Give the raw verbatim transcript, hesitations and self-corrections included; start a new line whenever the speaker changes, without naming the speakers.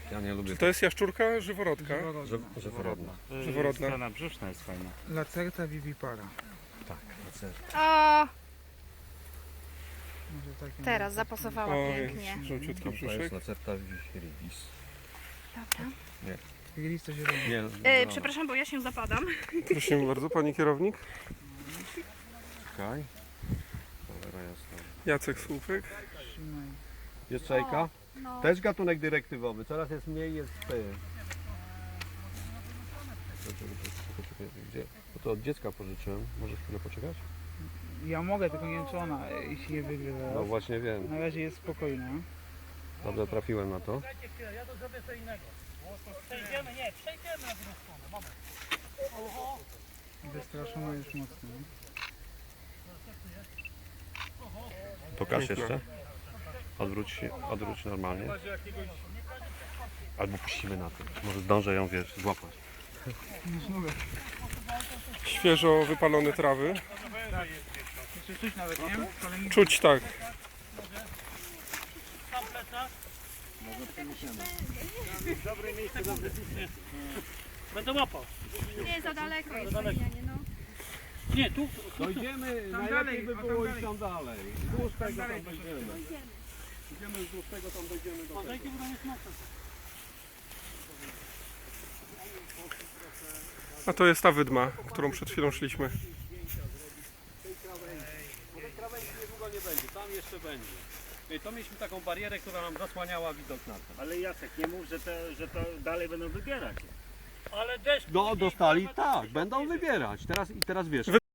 Ja nie lubię.
Czy to jest jaszczurka, żyworodka?
Żyworodna.
Żyworodna.
Żyworodna.
Strona brzuszna jest fajna.
Lacerta vivipara.
Tak, lacerta.
O,
Może takie
teraz zapasowała
O,
pięknie.
żółciutki
To jest
brzuszek.
lacerta viridis.
Dobra.
Widzieliście to zielone.
Nie,
E, przepraszam, bo ja się zapadam.
Proszę bardzo, pani kierownik.
Czekaj. Cholera jasna.
Jacek Słupek.
Trzymaj.
Jest czajka?
No.
Też gatunek dyrektywowy. Coraz jest mniej, jest ty. Gdzie? Bo to od dziecka pożyczyłem. Możesz chwilę poczekać?
Ja mogę, tylko nie wiem czy ona e, się wygrywa.
No właśnie wiem.
Na razie jest spokojna.
Dobrze trafiłem na to.
Ja to zrobię co innego. Przejdziemy, nie, przejdziemy na drugą stronę. Moment. Oho.
Wystraszona już mocno. nie?
Pokaż jeszcze. Odwróć się, odwróć normalnie. Albo puścimy na tym. Może zdążę ją, wiesz, złapać.
Już mówię.
Świeżo wypalone trawy.
Jeszcze coś nawet, nie? Kolejny...
Czuć tak.
Sam plecak. Dobre miejsce, dobre miejsce. Będę łapał.
Nie, za daleko jest Marianie, no.
Nie, tu.
Dojdziemy,
Tam
najlepiej
dalej,
by
a tam
było
dalej.
iść tam dalej. Wzdłuż tego
dalej
tam będziemy. Idziemy wzdłuż tego, tam dojdziemy do tego.
Uważajcie, bo tam jest mocno.
A to jest ta wydma, którą przed chwilą szliśmy.
Bo tej krawędzi niedługo nie będzie, tam jeszcze będzie. I to mieliśmy taką barierę, która nam zasłaniała widok na to.
Ale Jacek, nie mów, że to, że to dalej będą wybierać.
Ale deszcz.
No dostali, tak, będą wybierać. Teraz i teraz wiesz.